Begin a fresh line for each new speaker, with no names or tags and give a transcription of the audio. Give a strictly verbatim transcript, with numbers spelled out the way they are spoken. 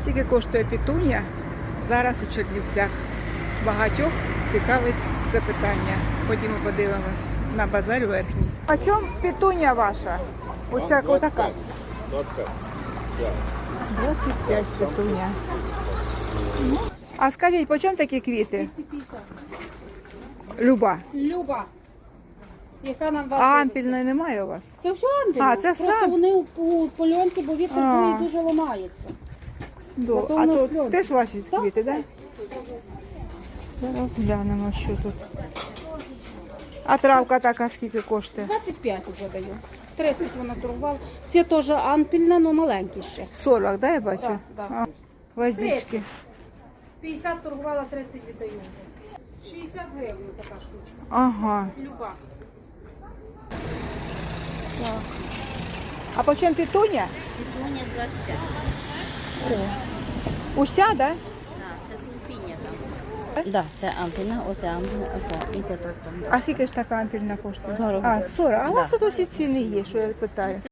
Скільки коштує петунія зараз у Чернівцях? Багатьох цікавить це питання. Ходімо подивимось на базар верхній. А чому петунія ваша? Оця отака?
двадцять п'ять. Да.
двадцять п'ять петунія. А скажіть, по чому такі квіти?
двісті п'ятдесят.
Люба.
Люба. Яка нам
А
вас
ампільної немає у вас?
Це все ампільно.
А, це все
Просто
ампіль.
вони у, у польонці, бо вітер
А.
дує, дуже ламається.
До.
Зато
А
воно
тут
кльоне.
теж ваші
Так.
квіти, так? Да? Зараз глянемо, що тут. А травка така скільки коштує?
двадцять п'ять вже даю. тридцять вона торгувала. Це теж ампільна, але маленькі ще.
сорок, да, я бачу?
Так, так.
А, гвоздички.
п'ятдесят торгувала, тридцять віддаю. шістдесят гривень така штучка.
Ага.
Люба.
Так. А по чому петунія?
Петуня двадцять п'ять.
Уся, да?
Так, це сулпіння там. Так, це ампільна, оце ампільна, оце і це тут.
А скільки ж така ампільна коштує?
сорок.
А, сорок. А у вас
Да.
тут усі ціни є, що я питаю.